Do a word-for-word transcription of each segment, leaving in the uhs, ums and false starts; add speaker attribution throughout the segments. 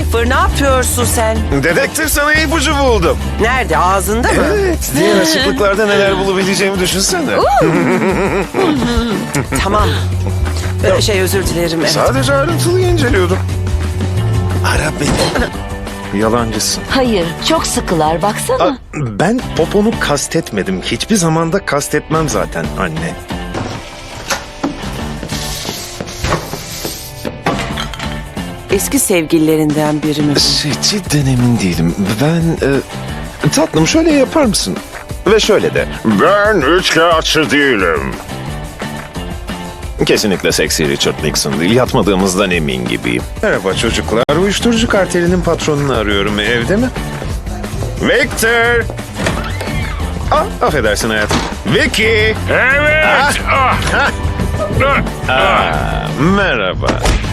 Speaker 1: Lucifer, ne yapıyorsun sen?
Speaker 2: Dedektif, sana ipucu buldum.
Speaker 1: Nerede? Ağzında mı?
Speaker 2: Evet, diğer açıklıklarda neler bulabileceğimi düşünsene.
Speaker 1: Tamam. Ee, Şey özür dilerim. Evet.
Speaker 2: Sadece ayrıntılıyı inceliyordum. Ara beni. Yalancısın.
Speaker 3: Hayır, çok sıkılar baksana.
Speaker 2: Aa, ben poponu kastetmedim. Hiçbir zamanda kastetmem zaten anne.
Speaker 1: Eski sevgililerinden biri mi?
Speaker 2: Şey, cidden emin değilim. Ben... E, tatlım, şöyle yapar mısın? Ve şöyle de. Ben üçkağıtçı değilim. Kesinlikle seksi Richard Nixon değil. Yatmadığımızdan emin gibiyim. Merhaba çocuklar. Uyuşturucu kartelinin patronunu arıyorum. Evde mi? Victor! Ah, affedersin hayatım. Vicky!
Speaker 4: Evet. Ah.
Speaker 2: Ah, merhaba.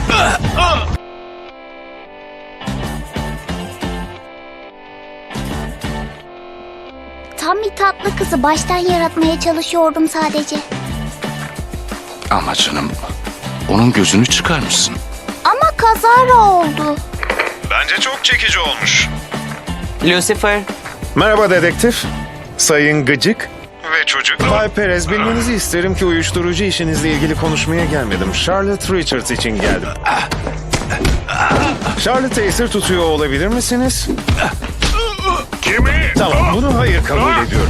Speaker 5: Tam bir tatlı kızı baştan yaratmaya çalışıyordum sadece.
Speaker 4: Ama canım, onun gözünü çıkarmışsın.
Speaker 5: Ama kazara oldu.
Speaker 2: Bence çok çekici olmuş.
Speaker 1: Lucifer,
Speaker 2: Merhaba dedektif. Sayın Gıcık. Ve çocuk. Bay Perez, bilmenizi isterim ki uyuşturucu işinizle ilgili konuşmaya gelmedim. Charlotte Richards için geldim. Charlotte'ı esir tutuyor olabilir misiniz?
Speaker 4: Kimi?
Speaker 2: Tamam, bunu hayır kabul ediyorum.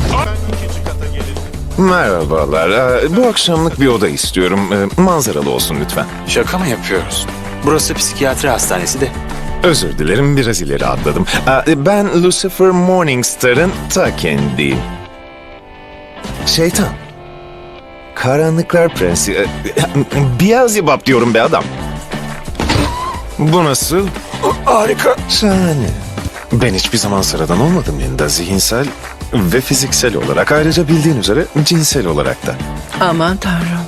Speaker 2: Merhabalar. Ee, Bu akşamlık bir oda istiyorum. Ee, Manzaralı olsun lütfen.
Speaker 6: Şaka mı yapıyoruz? Burası psikiyatri hastanesi de.
Speaker 2: Özür dilerim, biraz ileri atladım. Ee, Ben Lucifer Morningstar'ın ta kendiyim. Şeytan. Karanlıklar Prensi. Ee, Beelzebub diyorum be adam. Bu nasıl? Harika. Şahane. Ben hiçbir zaman sıradan olmadım Linda. Zihinsel ve fiziksel olarak. Ayrıca bildiğin üzere cinsel olarak da.
Speaker 7: Aman tanrım.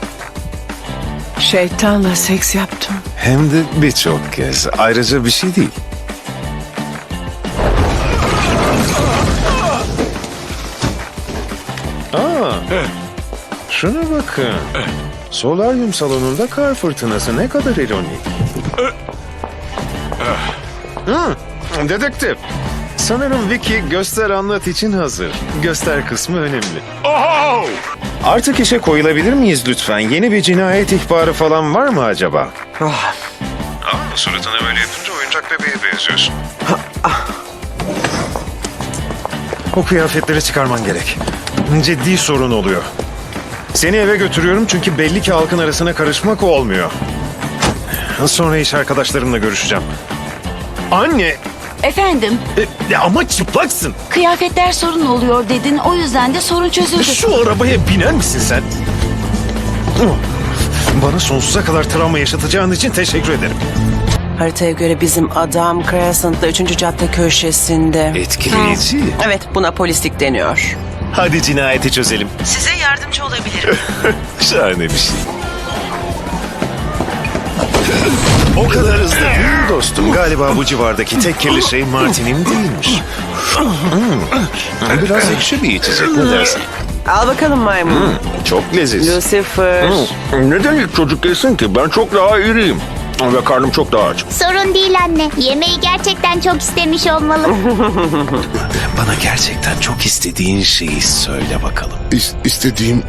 Speaker 7: Şeytanla seks yaptım.
Speaker 2: Hem de birçok kez. Ayrıca bir şey değil. Aa, şuna bakın. Solaryum salonunda kar fırtınası, ne kadar ironik. Hmm, dedektif. Sanırım Vicky göster anlat için hazır. Göster kısmı önemli.
Speaker 4: Oh!
Speaker 2: Artık işe koyulabilir miyiz lütfen? Yeni bir cinayet ihbarı falan var mı acaba?
Speaker 6: Ah,
Speaker 2: Aa, suratına böyle yapınca oyuncak bebeğe benziyorsun. O kıyafetleri çıkarman gerek. Ciddi sorun oluyor. Seni eve götürüyorum çünkü belli ki halkın arasına karışmak olmuyor. Sonra iş arkadaşlarımla görüşeceğim. Anne!
Speaker 3: Efendim,
Speaker 2: E, ama çıplaksın.
Speaker 3: kıyafetler sorun oluyor dedin, o yüzden de sorun çözüldü.
Speaker 2: Şu arabaya biner misin sen? Bana sonsuza kadar travma yaşatacağın için teşekkür ederim.
Speaker 1: haritaya göre bizim adam Crescent'da üçüncü cadde köşesinde.
Speaker 2: Etkileyici.
Speaker 1: Evet, buna polislik deniyor.
Speaker 2: Hadi cinayeti çözelim.
Speaker 1: Size yardımcı olabilirim.
Speaker 2: Şahane bir şey. O kadar hızlı değil mi dostum? Galiba bu civardaki tek kirli şey Martin'im değilmiş. Hmm. Biraz ekşi bir içecek, ne dersin?
Speaker 1: Al bakalım maymun.
Speaker 2: Çok leziz.
Speaker 1: Lucifer.
Speaker 4: Neden ilk çocuk değilsin ki? Ben çok daha iriyim. Ve karnım çok daha aç.
Speaker 5: Sorun değil anne. Yemeği gerçekten çok istemiş olmalı.
Speaker 2: Bana gerçekten çok istediğin şeyi söyle bakalım.
Speaker 8: İs- istediğim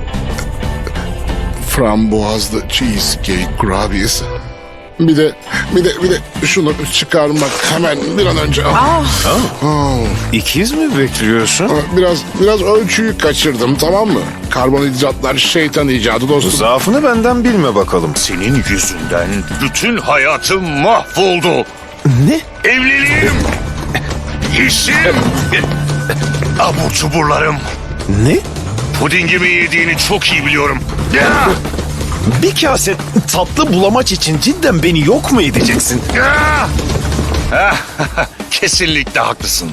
Speaker 8: frambuazlı cheesecake kurabiyesi. Bir de bir de bir de şunu çıkarmak hemen bir an önce. Ah. Ah.
Speaker 2: İkiz mi bekliyorsun?
Speaker 8: Biraz biraz ölçüyü kaçırdım, tamam mı? Karbonhidratlar şeytan icadı dostum.
Speaker 2: Zaafını benden bilme bakalım.
Speaker 4: Senin yüzünden bütün hayatım mahvoldu.
Speaker 2: Ne?
Speaker 4: Evliliğim, işim, abur cuburlarım.
Speaker 2: Ne?
Speaker 4: Pudingimi yediğini çok iyi biliyorum. Ya!
Speaker 2: Bir kase tatlı bulamaç için cidden beni yok mu edeceksin?
Speaker 4: Ya! Ah, kesinlikle haklısın.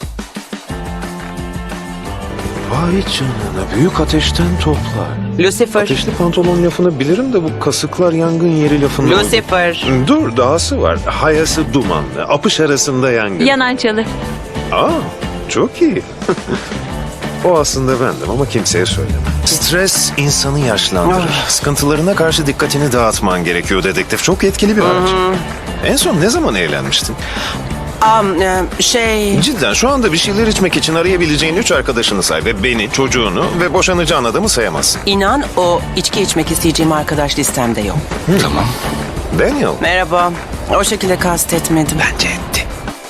Speaker 2: Vay canına, büyük ateşten toplar.
Speaker 1: Lucifer.
Speaker 2: Ateşli pantolon lafını bilirim de bu kasıklar yangın yeri lafını...
Speaker 1: Lucifer.
Speaker 2: Dur, dahası var. Hayası dumanlı, apış arasında yangın.
Speaker 3: Yanan çalı.
Speaker 2: Aa, çok iyi. O aslında bendim ama kimseye söyleme. Stres insanı yaşlandırır. Sıkıntılarına karşı dikkatini dağıtman gerekiyor dedektif. Çok etkili bir araç. En son ne zaman eğlenmiştin?
Speaker 1: Am, e, şey...
Speaker 2: Cidden şu anda bir şeyler içmek için arayabileceğin üç arkadaşını say ve beni, çocuğunu ve boşanacağın adamı sayamazsın.
Speaker 1: İnan o içki içmek isteyeceğim arkadaş listemde yok.
Speaker 4: Tamam.
Speaker 2: Daniel.
Speaker 1: Merhaba. O şekilde kastetmedim.
Speaker 2: Bence etti.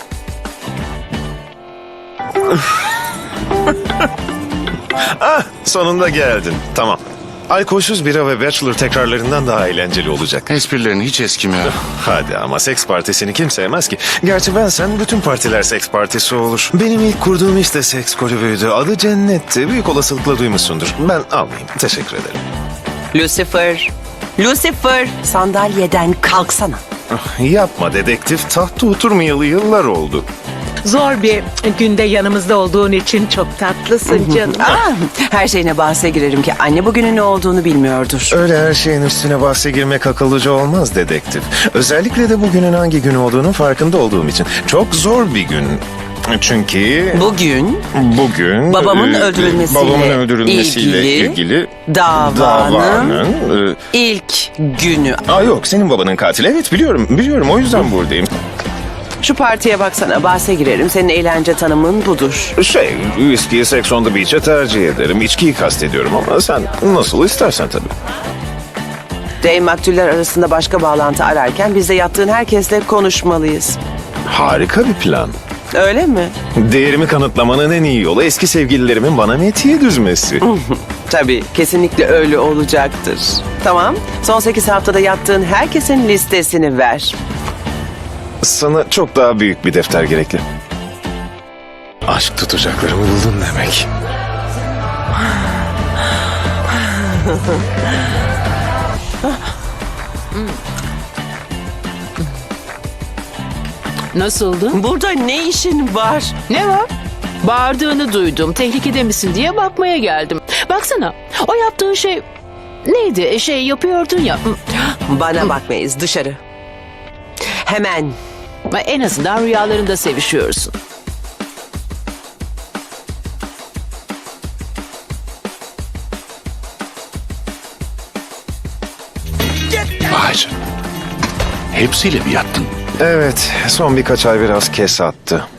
Speaker 2: Ah, sonunda geldin. Tamam. Alkolsüz bira ve Bachelor tekrarlarından daha eğlenceli olacak.
Speaker 8: Esprilerin hiç eskimiyor.
Speaker 2: Hadi ama seks partisini kim sevmez ki? Gerçi ben sen bütün partiler seks partisi olur. Benim ilk kurduğum işte seks kulübüydü. Adı Cennet'ti. Büyük olasılıkla duymuşsundur. Ben almayayım. Teşekkür ederim.
Speaker 1: Lucifer. Lucifer. Sandalyeden kalksana.
Speaker 2: Yapma dedektif. Tahta oturmayalı yıllar oldu.
Speaker 7: Zor bir günde yanımızda olduğun için çok tatlısın canım.
Speaker 1: Aa, her şeyine bahse girerim ki anne bugünün ne olduğunu bilmiyordur.
Speaker 2: Öyle her şeyin üstüne bahse girmek akıllıca olmaz dedektif. Özellikle de bugünün hangi gün olduğunun farkında olduğum için. Çok zor bir gün. Çünkü
Speaker 1: Bugün
Speaker 2: bugün
Speaker 1: babamın
Speaker 2: e,
Speaker 1: öldürülmesiyle
Speaker 2: babamın öldürülmesiyle
Speaker 1: ilgili
Speaker 2: ilgili,
Speaker 1: davanın
Speaker 2: davanın e,
Speaker 1: ilk günü.
Speaker 2: Aa yok, senin babanın katili. Evet, biliyorum. Biliyorum, o yüzden buradayım.
Speaker 1: Şu partiye baksana, bahse girerim. Senin eğlence tanımın budur.
Speaker 2: Şey, viskiyi Sex on the Beach'e tercih ederim. İçkiyi kastediyorum ama sen nasıl istersen tabii.
Speaker 1: Dave maktuller arasında başka bağlantı ararken biz de yattığın herkesle konuşmalıyız.
Speaker 2: Harika bir plan.
Speaker 1: Öyle mi?
Speaker 2: Değerimi kanıtlamanın en iyi yolu eski sevgililerimin bana metiye düzmesi.
Speaker 1: Tabii, kesinlikle öyle olacaktır. Tamam, son sekiz haftada yattığın herkesin listesini ver.
Speaker 2: Sana çok daha büyük bir defter gerekli. Aşk tutacaklarımı buldun demek.
Speaker 9: Nasıldı?
Speaker 1: Burada ne işin var?
Speaker 9: Ne var? Bağırdığını duydum. Tehlikede misin diye bakmaya geldim. Baksana. O yaptığın şey neydi? E, Şey yapıyordun ya.
Speaker 1: Bana bakmayız, dışarı. Hemen.
Speaker 9: En azından rüyalarında sevişiyorsun.
Speaker 8: Vay canına. Hepsiyle mi yattın?
Speaker 2: Evet, son birkaç ay biraz kes attı.